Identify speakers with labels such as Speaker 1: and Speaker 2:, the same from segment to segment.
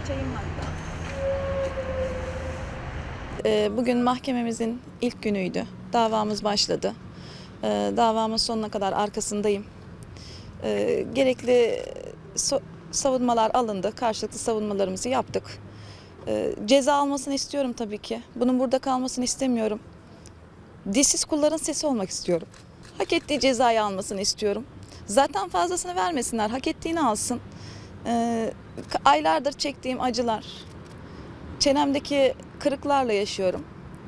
Speaker 1: Çayım hatta.
Speaker 2: Bugün mahkememizin ilk günüydü. Davamız başladı. Davamın sonuna kadar arkasındayım. Gerekli savunmalar alındı. Karşılıklı savunmalarımızı yaptık. Ceza almasını istiyorum tabii ki. Bunun burada kalmasını istemiyorum. Dişsiz kulların sesi olmak istiyorum. Hak ettiği cezayı almasını istiyorum. Zaten fazlasını vermesinler, hak ettiğini alsın. Aylardır çektiğim acılar, çenemdeki kırıklarla yaşıyorum.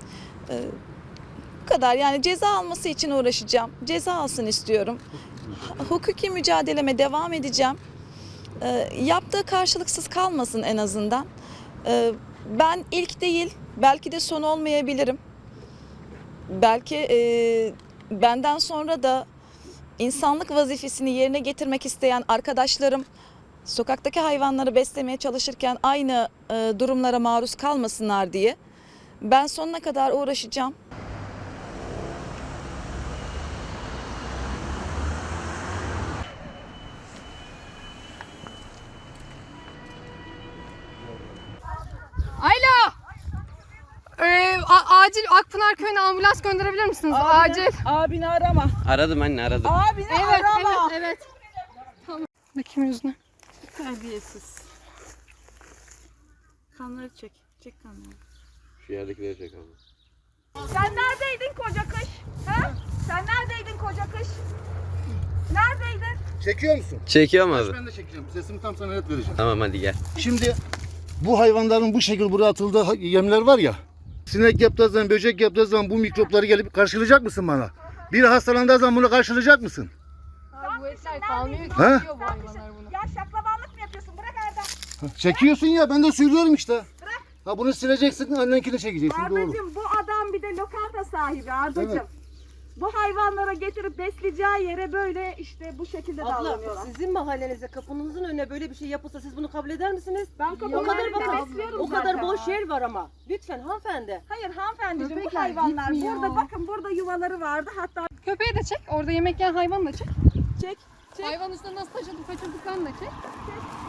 Speaker 2: Bu kadar, yani ceza alması için uğraşacağım. Ceza alsın istiyorum. Hukuki mücadeleme devam edeceğim. Yaptığı karşılıksız kalmasın en azından. Ben ilk değil, belki de son olmayabilirim. Belki benden sonra da insanlık vazifesini yerine getirmek isteyen arkadaşlarım sokaktaki hayvanları beslemeye çalışırken aynı durumlara maruz kalmasınlar diye ben sonuna kadar uğraşacağım.
Speaker 3: Alo. Acil Akpınar Köyü'ne ambulans gönderebilir misiniz? Acil.
Speaker 1: Abini arama.
Speaker 4: Aradım anne aradım.
Speaker 1: Abini arama.
Speaker 3: Evet. Tamam. Bakayım yüzüne.
Speaker 1: Terbiyesiz. Kanları çek. Çek kanları.
Speaker 4: Şu yerdekileri çek abi.
Speaker 1: Sen neredeydin koca kış? Ha? Sen neredeydin koca kış? Neredeydin?
Speaker 5: Çekiyor musun?
Speaker 4: Çekiyorum abi.
Speaker 5: Ben de çekeceğim. Sesimi tam sana net vereceğim.
Speaker 4: Tamam hadi gel.
Speaker 5: Şimdi bu hayvanların bu şekilde buraya atıldığı yemler var ya. Sinek yaptığı zaman, böcek yaptığı zaman bu mikropları gelip karşılayacak mısın bana? Biri hastalandığı zaman bunu karşılayacak mısın?
Speaker 3: Bu etler kalmıyor ki.
Speaker 5: Ha?
Speaker 3: Yiyor bu hayvanlar bunu.
Speaker 1: Ya şaklabanlık mı yapıyorsun? Bırak Erdem.
Speaker 5: Çekiyorsun ya, ben de söylüyorum işte. Ha bunu sileceksin, annenkini çekeceksin. Doğru.
Speaker 1: Ardacığım bu adam bir de lokanta sahibi Ardacığım.
Speaker 5: Evet.
Speaker 1: Bu hayvanlara getirip besleyeceği yere böyle işte bu şekilde
Speaker 6: Abla
Speaker 1: davranıyorlar.
Speaker 6: sizin mahallenize kapınızın önüne böyle bir şey yapılsa siz bunu kabul eder misiniz?
Speaker 1: Ben
Speaker 6: O
Speaker 1: kapının
Speaker 6: kadar
Speaker 1: önünde
Speaker 6: bakın,
Speaker 1: besliyorum
Speaker 6: o kadar
Speaker 1: zaten.
Speaker 6: boş yer var ama. Lütfen hanımefendi.
Speaker 1: Hayır hanımefendiciğim bu
Speaker 3: Köpekler
Speaker 1: hayvanlar
Speaker 3: gitmiyor.
Speaker 1: burada bakın burada yuvaları vardı hatta
Speaker 3: Köpeği de çek. Orada yemek yiyen hayvanı da çek.
Speaker 1: çek.
Speaker 3: Hayvan üstüne nasıl taşıdıklarını da çek.